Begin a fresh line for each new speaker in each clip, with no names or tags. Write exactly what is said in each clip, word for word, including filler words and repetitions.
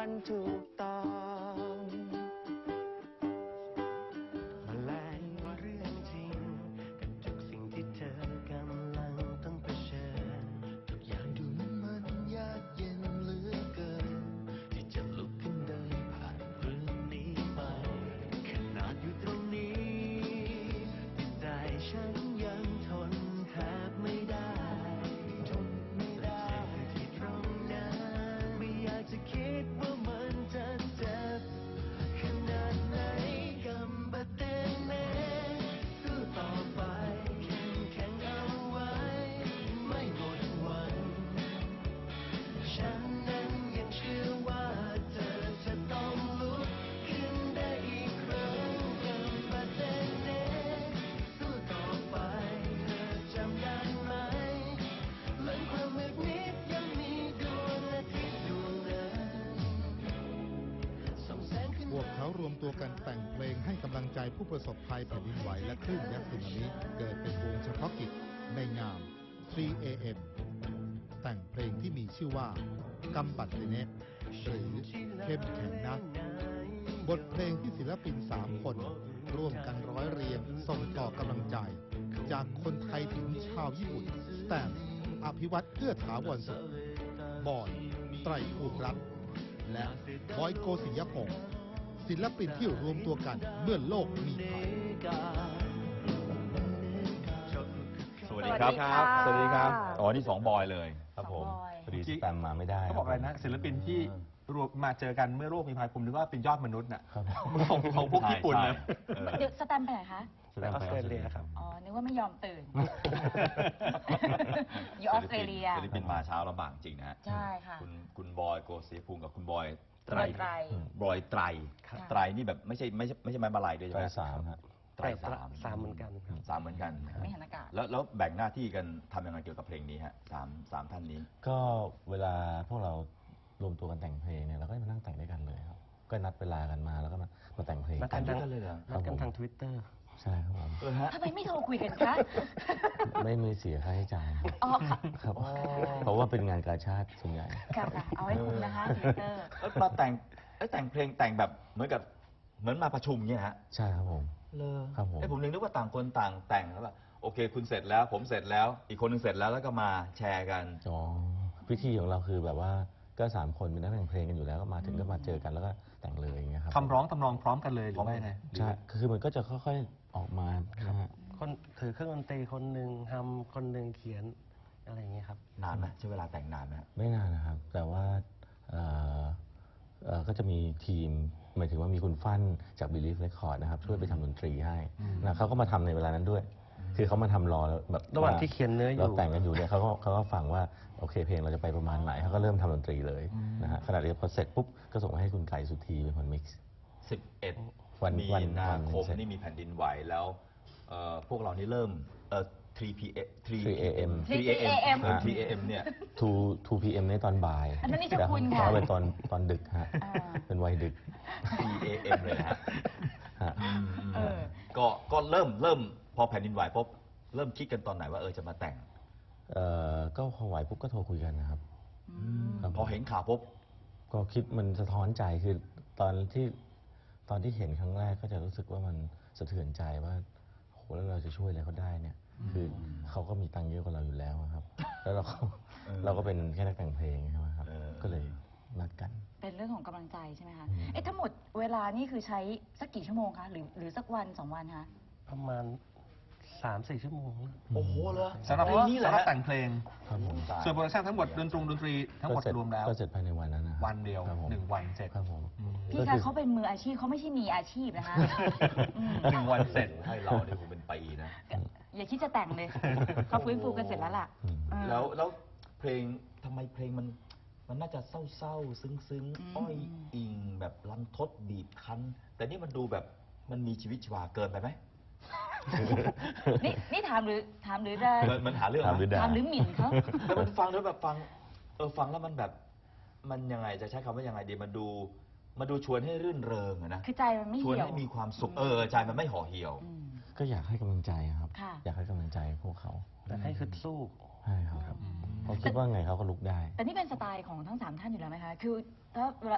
มันถูกต้องมาแลงว่าเรื่องจริงกับทุกสิ่งที่เธอกำลังต้องเผชิญทุกอย่างดูมันยากเย็นเหลือเกินที่จะลุกขึ้นเดินผ่านเรื่องนี้ไปขนาดอยู่ตรงนี้จิตใจฉันยังทนแทบไม่ได้ทนไม่ได้ที่ตรงนั้นไม่อยากจะคิดว่ามันจะเจ็บขนาดไหนกำบัดเต็มเน่สู้ต่อไปเข้มแข็งเอาไว้ไม่หมดหวังฉันนั้นยังเชื่อว่าเธอจะต้องลุกขึ้นได้อีกครั้งกำบัดเต็มเน่สู้ต่อไปเธอจำได้ไหมหลังความมืดมิดยังมีดวงอาทิตย์ดวงนั้นส่องแสงขึ้น
พวกเขารวมตัวกันแต่งเพลงให้กำลังใจผู้ประสบภัยแผ่นดินไหวและคลื่นยักษ์สึนามิเกิดเป็นวงเฉพาะกิจในงาม ทรี เอ เอ็ม แต่งเพลงที่มีชื่อว่ากำบัดเตเนะหรือเข้มแข็งนะบทเพลงที่ศิลปินสามคนร่วมกันร้อยเรียงส่งต่อกำลังใจ จากคนไทยถึงชาวญี่ปุ่นสแตมอภิวัตเอื้อถาวรสุขบอยไตรภูมิรัตน์และบอยโกศิยพงศ์ศิลปินที่รวมตัวกันเมื่อโลกมีภัย
สวัสดีครับ
สวัสดีครับ
อ๋อนี่สองบอยเลย
ครับผม
สองบอย
พอดีสแตมมาไม่ได้
เขาบอกอะไรนะศิลปินที่รวมมาเจอกันเมื่อโลกมีภัยผมนึกว่าเป็นยอดมนุษย์น่ะ
ครับ
ของของพวกญี่ปุ่นนะ
เออ
เดี๋ยวสแตมป์ไปไหนคะ
สแตมไปออสเตรเลียครับ
อ๋อ นึกว่าไม่ยอมตื่น อยู่ออสเตรเลีย
ศิลปินมาเช้าลำบากจริงนะฮะ
ใช่ค่ะ
คุณคุณบอยโกศิยภูมิกับคุณบอยไตร
บอยไตร
บอยไตร
ครับ
ไตรนี่แบบไม่ใช่ไม่ใช่ไม่ใช่ไม้บาลัยด้วยใช่
ไต
ไห
ร
ม
สามฮะ
ไตรสาม
สามเหมือนกันครับ
สามเหมือนกัน
ไม่หันอากาศ
แล้วแล้วแบ่งหน้าที่กันทำยังไงเกี่ยวกับเพลงนี้ฮะสามสามท่านนี้
ก็เวลาพวกเรารวมตัวกันแต่งเพลงเนี่ยเราก็มานั่งแต่งด้วยกันเลยครับ ก็นัดเวลากันมาแล้วก็มามาแต่งเพลง
นัดกัน
ด้
ทา
วย
ง
กันเลยเหรอ
นัดกันทางทวิตเตอร์
ใช่ครับผม
เออฮะ
ทำไมไม่โทรคุยกันคะ
ไม่มีเสียค่าใช้จ่าย
อ๋อค่ะ
ครับเพราะว่าเป็นงานกาชาติส่วนใหญ่
ค่ะค่ะเอาให้คุ้มนะคะทวิตเตอร์
แล้วมาแต่งเอ้ยแต่งเพลงแต่งแบบเหมือนกับเหมือนมาประชุมเนี่ยฮะ
ใช่ครับผม
เลย
ครับผม
ไอ้ผมนึกว่าต่างคนต่างแต่งแล้วแบบโอเค คุณเสร็จแล้ว ผมเสร็จแล้ว อีกคนหนึงเสร็จแล้วแล้วก็มาแชร์กัน
อ๋อพิธีของเราคือแบบว่าก็สามคนเป็นนักแต่งเพลงกันอยู่แล้วก็มาถึงก็มาเจอกันแล้วก็แต่งเลยอย่างเงี้ยครับ
คำร้องทำนองพร้อมกันเลยหรือว่าไง
ใช่คือมันก็จะค่อยๆออกมานะฮะ
คนถือเครื่องดนตรีคนหนึ่งทำคนหนึ่งเขียนอะไรอย่างเงี้ยครับ
นานไหมใช้เวลาแต่งนานไหมฮะ
ไม่นานนะครับ แต่ว่าเอ่อเอ่อก็จะมีทีมหมายถึงว่ามีคุณฟั่นจาก Believe Record นะครับ ช่วยไปทำดนตรีให้นะเขาก็มาทำในเวลานั้นด้วย คือเขามาทำรอแล้วแบบ
ระหว่างที่เขียนเนื้ออยู่
เราแต่งกันอยู่เนี่ยเขาก็เขาก็ฟังว่าโอเคเพลงเราจะไปประมาณไหนเขาก็เริ่มทำดนตรีเลยนะฮะขณะเดียวกันพอเสร็จปุ๊บก็ส่งมาให้คุณไก่สุธีเป็นคนมิกซ์
สิบเอ็ด
วัน
มี
วัน
นา
วัน
คม
เสร็จ
นี่มีแผ่นดินไหวแล้วเอ่อพวกเรานี่เริ่มเอ่อ ทรี พี เอ็ม
ทรี เอ เอ็ม
ทรี เอ เอ็ม
ทรี
ทรี เอ เอ็ม เนี่ย
ทูทูพีเอ็มในตอนบ่าย
อันนั้นนิชคุณค่ะ
เขาเป็นตอนตอนดึกฮะ
อ่า
เป็นวัยดึก
ทรี เอ เอ็ม เลยนะฮะ
ฮะ
อืม
เออ
ก็ก็เริ่มเริ่มพอแผ่นดินไหวปุ๊บเริ่มคิดกันตอนไหนว่าเออจะมาแต่ง
เอ่อก็พอไหวปุ๊บก็โทรคุยกันนะครับ ครับ
พอเห็นข่าวปุ๊บ
ก็คิดมันสะท้อนใจคือตอนที่ตอนที่เห็นครั้งแรกก็จะรู้สึกว่ามันสะเทือนใจว่าโหแล้วเราจะช่วยอะไรเขาได้เนี่ย คือเขาก็มีตังค์เยอะกว่าเราอยู่แล้วอะครับ แล้วเราก็
เออ
เราก็เป็นแค่นักแต่งเพลงใช่ไหมครับ
เออ
ก็เลยนัดกัน
เป็นเรื่องของกำลังใจใช่ไหมคะ
อืม
เอ๊ะทั้งหมดเวลานี่คือใช้สักกี่ชั่วโมงคะ หรือหรือสักวันสองวันคะ
ประมาณสามสี่ชั่วโมงนะ
โอ้โหเหรอ
สำหรับ
เพลงนี้แหละ
สำหรับ
ฮะ
แต่งเพลง
ครับผม
ตาย
ส่วนโปรดักชั่นทั้งหมดดนตรงดนตรีทั้งหมด
ก็เสร็จ
รวมแล้ว
ก็เสร็จภายในวันนั้นนะครับ
วันเดียว
ครับผม
หนึ่งวันเสร็จ
ครับผม
อืม
พี่คะเขาเป็นมืออาชีพเขาไม่ใช่มีอาชีพนะคะอืม
หนึ่งวันเสร็จให้เราเนี่ยผมเป็นปีนะ
อย่าคิดจะแต่งเลย เขาฟื้นฟูกันเสร็จแล้วล่ะ
อืม
เออ
แล้วแล้วเพลงทำไมเพลงมันมันน่าจะเศร้าๆ ซึ้ง
อืม
ๆ อ้อยอิงแบบรันทดบีบคั้น แต่นี่มันดูแบบมันมีชีวิตชีวาเกินไปไหม
นี่นี่ถามหรือถามหรือจะ
มันมันหาเรื่อง
ถามหรือ
นะ
ด่า
ถามหรือหมิ่นเขา
แต่มันฟังแล้วแบบฟังเออฟังแล้วมันแบบมันยังไงจะใช้คำว่ายังไงดีมันดูมันดูชวนให้รื่นเริงอะนะ
คือใจมันไม่
ชวน
เหี่ยว
ให้มีความสุขเออใจมันไม่ห่อเหี่ยว
อืม
ก็อยากให้กำลังใจครับ
ค่ะ
อยากให้กำลังใจพวกเขา
แต่ให้คือสู้
ใช่ครับเพราะคิดว่าไงเขาก็ลุกได้
แต่นี่เป็นสไตล์ของทั้งสามท่านอยู่แล้วไหมคะ คือถ้าเวลา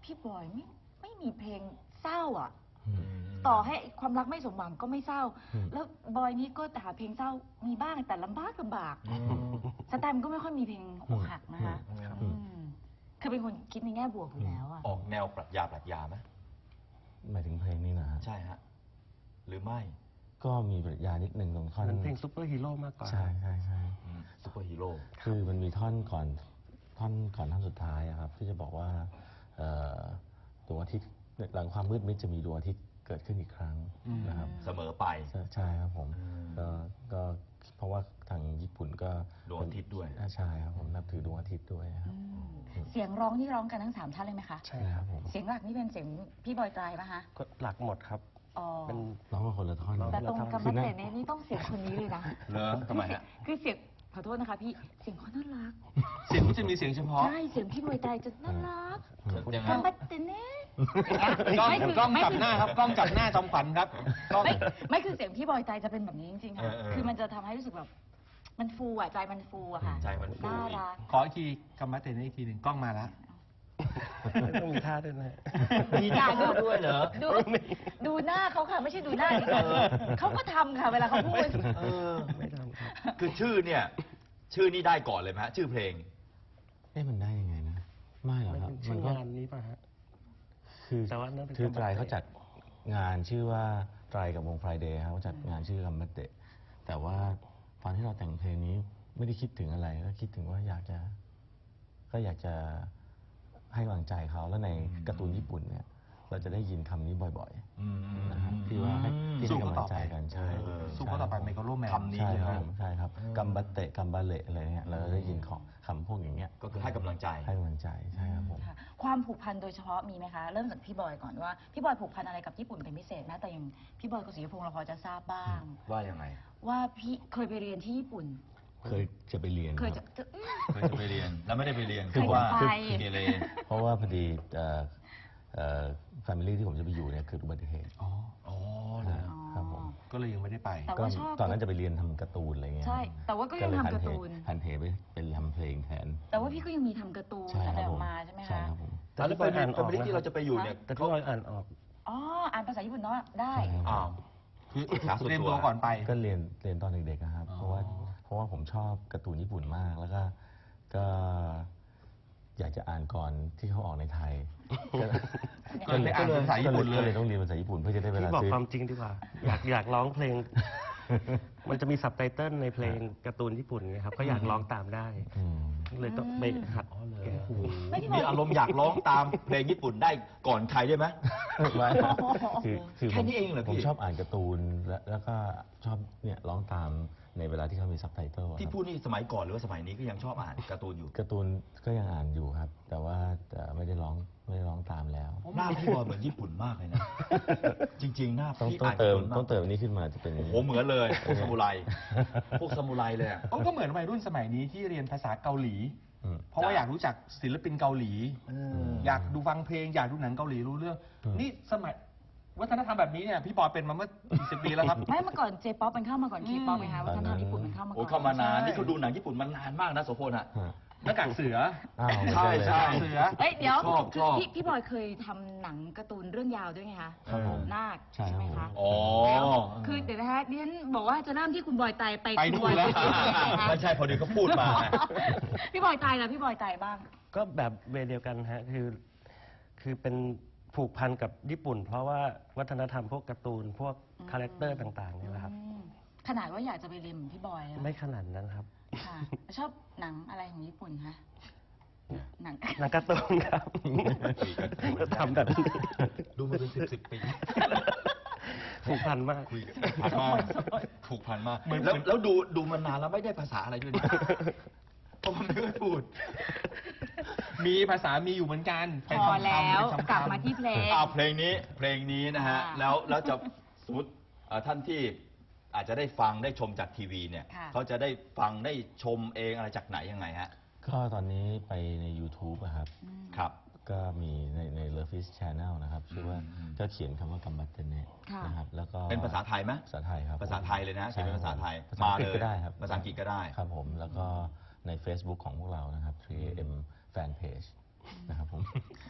พี่บอยไม่ไม่มีเพลงเศร้าอ่ะ
อืม
ต่อให้ความรักไม่สมหวังก็ไม่เศร้า
อืม
แล้วบอยนี่ก็หาเพลงเศร้ามีบ้างแต่ลำบากลำบาก
อืม
สแตมป์ก็ไม่ค่อยมีเพลงอกหักนะคะ
อืม
อืมคือเป็นคนคิดในแง่บวกอยู่แล้วอ่ะ
ออกแนวปรัชญาปรัชญาไหม
หมายถึงเพลงนี้นะฮะ
ใช่ฮะ หรือไม่
ก็มีปรัชญานิดหนึ่งตรงท่อน
เป็นเพลงซุปเปอร์ฮีโร่มากกว่า
ใช่ใช่ใช่
อืมซุปเปอร์ฮีโร่
คือมันมีท่อนก่อนท่อนก่อนท่อนสุดท้ายอะครับ ที่จะบอกว่าเอ่อดวงอาทิตย์หลังความมืดมิดจะมีดวงอาทิตย์เกิดขึ้นอีกครั้งนะครับ
เสมอไป
ใช่ใช่ครับผม
อืม
ก็ก็เพราะว่าทางญี่ปุ่นก็
ดวงอาทิตย์ด้วย
อ่าใช่ครับผมนับถือดวงอาทิตย์ด้วยครับ
เสียงร้องนี่ร้องกันทั้งสามท่านเลยไหมคะ
ใช่
ใช่
ค
ค
รั
รั
บบ
ผม
เสียงหลักนี่เป็นเสียงพี่บอยไตรป่ะคะ
ก็หลักหมดครับ
อ๋อ
เป็น
ร้องกันคนละท่อน
ร้อง
แต่
คน
ต
ละ
รง
ท่อน
กำมัดเตเนี่ยนี่ต้องเสียงคนนี้เลยนะ
เหรอทำไมฮะ
คือเสียงขอโทษนะคะพี่เสียงเขาน่ารัก
เสียงก็จะมีเสียงเฉพาะ
ใช่เสียงพี่บอยไตรจะน่ารัก
ยังไง
กำมัดเตเนี่ยอย่างเงี้ย
กล้อง
ไม่คื
กล้อง
ไม่
จับ
คือ
หน้าครับกล้องจับหน้าจอมขวัญครับกล้อง
ไม่ไม่คือเสียงพี่บอยไตรจะเป็นแบบนี้จริงๆค่ะ
เออเออ
คือมันจะทำให้รู้สึกแบบ มันฟูอ่ะใจมันฟูอะค่ะ
ใจมันฟู
น่ารัก
ขออีกทีกำมัดเตนอีกทีหนึ่งกล้องมาแล้ว
ต้องมีท่าด้วยนะ
มีท่าด้วยเหรอ
ดูดูหน้าเขาค่ะ ไม่ใช่ดูหน้าดิฉันเขาก็ทำค่ะ เวลาเขาพูด
เออ
ไม่ทำครับ
คือชื่อเนี่ย ชื่อนี่ได้ก่อนเลยไหมฮะ ชื่อเพลง
เอ๊ะมันได้ยังไงนะ ไม่หรอก
ไม่
ครับ
เป็นชื่
มั
อน
ก็
งานนี้ป่ะฮะ
คือ
แต่ว่านั่นเป็น
คือ
คำ
ไตร
บัตเตะ
เขาจัดงานชื่อว่าไตรกับวงไฟเดย์ครับเขาจัดงานชื่อคัมบัตเตะแต่ว่าตอนที่เราแต่งเพลงนี้ไม่ได้คิดถึงอะไรก็คิดถึงว่าอยากจะ ก็อยากจะให้กำลังใจเขาแล้วในการ์ตูนญี่ปุ่นเนี่ย เราจะได้ยินคำนี้บ่อย
อืม
ๆนะครับที่ว่าให้ที่
สู้
ให้
เขา
กำลั
ต่อง
ใจ
ไป
กันใช่
เออ
สู้เขาต่อไปไมโครโลแมน
คำนี้
ใช่
ใช่ไห
ค
ม
รับผมใช่ครับกัมบัตเตะกัมบาเละอะไรเงี้ยเราจะได้ยินของคำพวกอย่างเงี้ย
ก็คือให้กำลังใจ
ให้กำลังใจใช่ครับผม
ค่ะความผูกพันโดยเฉพาะมีไหมคะ เริ่มจากพี่บอยก่อนว่าพี่บอยผูกพันอะไรกับญี่ปุ่นเป็นพิเศษนะแต่อย่างพี่บอยกับศรีพงษ์เราพอจะทราบบ้าง
ว่ายังไง
ว่าพี่เคยไปเรียนที่ญี่ปุ่น
เคยจะไปเรียน
เคย
ค
จะ
รับ
จะอื้อ
เคยจะไปเรียน แล้วไม่ได้ไปเรียน
เค
คื
ย
อว่า
จะไป
เกเร
เพราะว่าพอดีเอ่อเอ่อแฟมิลี่ที่ผมจะไปอยู่เนี่ยคืออุบัติเหตุ
อ๋อ
อ๋อเหรอ
ครับผม
ก็เลยยังไม่ได้ไป
แต่
ก็
ว่าชอบ
ตอนนั้นจะไปเรียนทำการ์ตูนอะไรเงี้ย
ใช่แต่ว่าก็ยัง
เลย
ทำการ์ตูน
หันเหไปเป็นทำเพลงแทน
แต่ว่าพี่ก็ยังมีทำการ์ตูน
ใช่
อะไร
ครับ
อ
ผ
อก
ม
มาใช่ไหม
ใช่
คะ
ครับผม
แต่
แล้ว
พี่
ไป
บอยอ่านอ
แฟ
อก
มิลี่
นะ
ที่เราจะไปอยู่เนี่ย
แต่พี่บอยอ่านออก
อ๋ออ่านภาษาญี่ปุ่นเนาะได้
ใช่ครับ
อ้าว
คือ
ศึกษาส่วนตัว
เตรียมตัวก่อนไป
ก็เรียนเรียนตอนเด็กๆนะครับ
อ๋อ
เพราะว่าเพราะว่าผมชอบการ์ตูนญี่ปุ่นมาก แล้วก็ก็อยากจะอ่านก่อนที่เขาออกในไทย
ก็เลยอ่านภาษาญี่ปุ่นเลย
ก็เลยต้องเรียนภาษาญี่ปุ่นเพื่อจะได้เว
พี่
ลา
บอก
ซื้อ
ความจริงดีกว่า อยากอยากร้องเพลง มันจะมีซับไตเติลในเพลงการ์ตูนญี่ปุ่นไงครับ ก็อยากร้องตามได้
อืม
เลยต้องไปหัดแก้
ไม่พี่บอ
มี
ย
อารมณ์อยากร้องตามเพลงญี่ปุ่นได้ก่อนใครได้ไหม
ไม่คือคือ
แค่นี้เองเหรอพี่
ผมชอบอ่านการ์ตูนแล้วแล้วก็ชอบเนี่ยร้องตามในเวลาที่เขามีซับไตเติลอะครับ
ที่พูดนี่สมัยก่อนหรือว่าสมัยนี้ก็ยังชอบอ่านการ์ตูนอยู่
การ์ตูนก็ยังอ่านอยู่ครับ แต่ว่าแต่ไม่ได้ร้องไม่ได้ร้องตามแล้ว
หน้าพี่บอยเหมือนญี่ปุ่นมากเลยนะ จริง ๆ หน้า
ต้อง
พี่
ต้อง
อ่าน
เติม
ญี่ปุ่นาก
ต้องเติมอันนี้ขึ้นมาจะเป็นอย่าง
โอ้
นี้
โหเหมือนเลยพวกซามูไร พวกซามูไรเลยอะ
โอ้ก็เหมือนวัยรุ่นสมัยนี้ที่เรียนภาษาเกาหลี
อืม
เพราะว่าอยากรู้จักศิลปินเกาหลี
เออ
อยากดูฟังเพลง อยากดูหนังเกาหลีรู้เรื่อง
อืม
นี่สมัยวัฒนธรรมแบบนี้เนี่ยพี่บอยเป็นมาเมื่อกี่สิบปีแล้วครับ
ไม่เมื่อก่อนเจป๊อปมันเข้ามาก่อนเคป๊อปไหมคะ
อืม
วัฒนธรรมญี่ปุ่นมันเข้ามาก่
โอ้
อน
เข้ามานาน
ใช่
นี่เขาดูหนังญี่ปุ่นมานานมากนะโสพลอะ
ฮะ
หน้ากากเสือ
อ้าว
ใช่ใช่
เสือ
เอ้ยเดี๋ยว
ชอบชอบ
พี่พี่บอยเคยทำหนังการ์ตูนเรื่องยาวด้วยไงคะ
ครับผม
นาค
ใช่
ใช่ไหม
ครั
คะ
บผม
อ๋อ
คือเดี๋ยวนะคะดิฉันบอกว่าจะเริ่มที่คุณบอยไตไป
ไป
คุณ
นู่
บอน ย
แล้ว
ไปไหนคะ
ไม่ใช่พอดีเขาพูดมาไง
พี่บอยไตแล้วพี่บอยไตบ้าง
ก็แบบเวย์เดียวกันฮะ คือ คือเป็นผูกพันกับญี่ปุ่น เพราะว่าวัฒนธรรมพวกการ์ตูน พวกคาแรคเตอร์ต่างๆนี่แหละครับ
อืมขนาดว่าอยากจะไปเรียนเหมือนพี่บอยอะ
ไม่ขนาดนั้นครับ
ค่ะชอบหนังอะไรของญี่ปุ่นคะหนัง
หนังการ์ตูนครับก็ทำแบบนี้
ดูมาเป็นสิบสิบปี
ผูกพันมาก
คุยผูกพันมากผูกพันมากแล้วแล้วดูดูมานานแล้วไม่ได้ภาษาอะไรด้วยนะเพราะมันไม่ค่อยพูด
มีภาษามีอยู่เหมือนกัน
พ
เป็น
อ
คำๆ
แล้ว
เป็นคำๆ
กลับมาที่เพลง
อ่าเพลงนี้เพลงนี้นะฮะ
ค่ะ
แล้วแล้วจะสมมติเอ่อท่านที่อาจจะได้ฟังได้ชมจากทีวีเนี่ย
ค่ะ
เขาจะได้ฟังได้ชมเองอะไรจากไหนยังไงฮะ
ก็ตอนนี้ไปใน YouTube อะครับ
อืม
ครับ
ก็มีในใน Love Fish Channel นะครับชื่อว่า
อืม
ก็เขียนคำว่ากัมบัตเตเนะ
ค่ะ
นะครับแล้วก็
เป็นภาษาไทยไหม
ภาษาไทยครับ
ภาษาไทยเลยนะเขียนเป็นภาษาไทย
ภาษาอังกฤษ
มาเลย
ก็ได้ครับ
ภาษาอังกฤษก็ได้
ครับผมแล้วก็ใน Facebook ของพวกเรานะครับ ทรี เอ เอ็ม Fan Page นะครับผมเป็นแฟน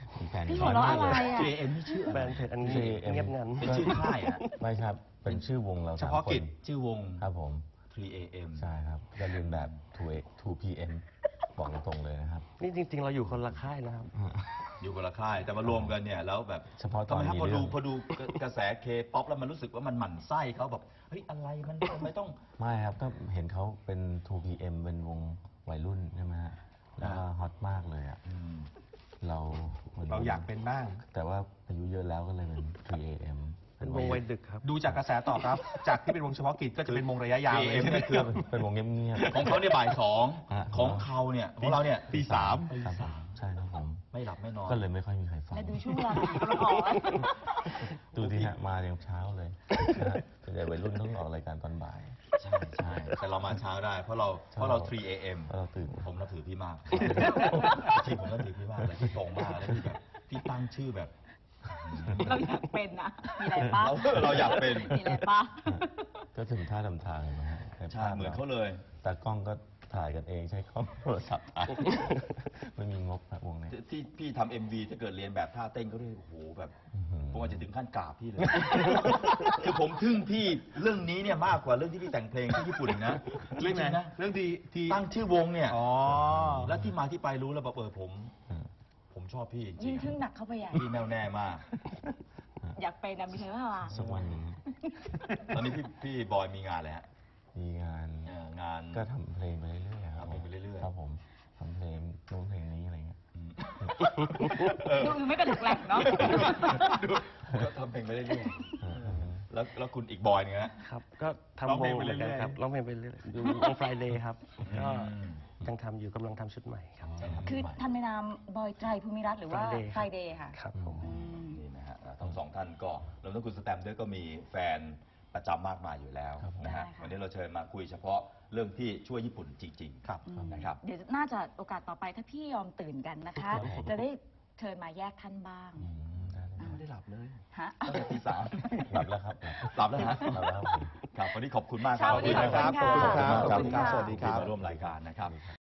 พี่หัวเราะอะไรอ่ะ
ทรี เอ เอ็ม นี่ชื่อ
แบรนด์เพจอันนี้
ทรี เอ เอ็ม
เงียบงัน
เป็นชื่อค่ายอะ
ไม่ครับ เป็นชื่อวงเรา
เฉ
สาม
พาะ
ค
กิจ
น
ชื่อวง
ครับผม
ทรี เอ เอ็ม
ใช่ครับจะเรียนแบบ ทู พี เอ็ม บอกตรงๆเลยนะครับ
นี่จริง ๆ เราอยู่คนละค่ายนะครับ
อยู่คนละค่ายแต่มารวมกันเนี่ยแล้วแบบ
เฉพาะตอน
ทำไมครับ
มี
พอ
เรื่
ดู
อง
พอดูกระแสเคป๊อปแล้วมันรู้สึกว่ามันหมั่นไส้เขาแบบเฮ้ยอะไรมันทำไมต้อง
ไม่ครับก็เห็นเขาเป็น ทู พี เอ็ม เป็นวงวัยรุ่นใช่ไหมฮะแล้วก็ฮอตมากเลยอ่ะ
อืม
เราหมืน
เราอยากเป็นบ้าง
แต่ว่าอายุเยอะแล้วก็เลยเป็น ทรี เอ เอ็ม
เป็นวงวัยดึกครับ
ดูจากกระแสตอบรับ จากที่เป็นวงเฉพาะกิจก็จะเป็นวงระยะยาวเลย
ทรี เอ เอ็ม เนี่ยคือ
เป็นวงเงียบๆ
ของเขาเนี่ยบ่ายสอง
ฮะ
ของเขาเนี่ยของเราเนี่ย
ตีสาม
ตี
ครับ
สาม
ใช่ครับผม
ไม่หลับไม่นอน
ก็เลยไม่ค่อยมีใครฟัง
แล้วดูช่วงเวลาที่กำลังออกอะ
ดูที่ฮะมาอย่างเช้าเลยนะฮะส่วนใหญ่วัยรุ่นต้องออกรายการตอนบ่าย
ใช่ใช่แต่เรามาเช้าได้เพราะเราเพราะเรา ทรี เอ เอ็ม
เพราะเราตื่น
ผมนับถือพี่มากจริงผมนับถือพี่มากเลยพี่ตรงมากแล้วพี่แบบพี่ตั้งชื่อแบบ
เราอยากเป็นนะ มีอะไรปะ
เราเราอยากเป็น
มีอะไรปะ
ก็ถึงท่าทำทางเลยนะฮะใน
ใช่
ภาพ
เหมือนเขาเลย
ตากล้องก็ถ่ายกันเองใช้กล้องโทรศัพท์ถ่าย ไม่มีงบครับวงนี้
ที่ที่พี่ทำเอ็มวีถ้าเกิดเรียนแบบท่าเต้นก็เลยโอ้โหแบบ
อื้อหือ
ผมอาจจะถึงขั้นกราบพี่เลย คือผมทึ่งพี่เรื่องนี้เนี่ยมากกว่าเรื่องที่พี่แต่งเพลงที่ญี่ปุ่นอีกนะจ
เรื่องไหน
ริงๆนะ
เรื่องที่ที่
ตั้งชื่อวงเนี่ย
อ๋อ
แล้วที่มาที่ไปรู้แล้วแบบเออผม
อืม
ผมชอบพี่จริ
ยิ่ง
ง
ทึ่งหนักเข้าไปใหญ่
พี่แน่วแน่มาก
อยากเป็นนะมีใครบ้างล่ะ
สักวันหนึ่ง
ตอนนี้พี่พี่บอยมีงานอะไรฮะ
มีงาน
เอ่องาน
ก็ทำเพลงไปเรื่อยๆครับ
ทำเพลงไปเรื่อยๆ
ครับผมทำเพลงนู้นเพลงนี้อะไรเงี้ย
อืม
ดูดูไม่กระดูกแหลกเนาะ
ดูก็ทำเพลงไปเรื่อย
เออเออ
ๆแล้วแล้วคุณอีกบอยเนี่ยฮะ
ครับ ก็
ร้อง
ทำว
เพล
ง
ง
เห
ไป
มือนกัน
เรื่อยๆ
ครับร้องเพลงไปเรื่อยๆอยู่วง Friday ครับ ก็
อืม
ยังทำอยู่กำลังทำชุดใหม่ครับ
คือทันในนามบอยไตรภูมิรัตน์หรือว่า
Friday
ไฟเดย์ค่ะ
ครับผม
อืม
นี่นะฮะทั้งสองท่านก็รวมทั้งคุณสแตมป์ด้วยก็มีแฟนประจำมากมายอยู่แล้ว
ครับผม
นะฮะ
ได้ค่ะ
วันนี้เราเชิญมาคุยเฉพาะเรื่องที่ช่วยญี่ปุ่นจริงๆ
ครับ
นะครับ
เดี๋ยวน่าจะโอกาสต่อไปถ้าพี่ยอมตื่นกันนะคะ
ครับผม
จะได้เชิญมาแยกท่านบ้าง
อืมได้ได้
ไม่ได้หลับเลย
ฮะ
ตั้งแต่ตีสาม
หลับแล้วครับ
หลับแล้วฮะ
หลับแล้วครับผม
ครับวันนี้ขอบคุณมากครั
เช้าวันนี้ขอบคุณค่ะ
ขอบคุณครับ
ขอบคุณค่ะ
สวัสดีครับ
ที่มาร่วมรายการนะครับ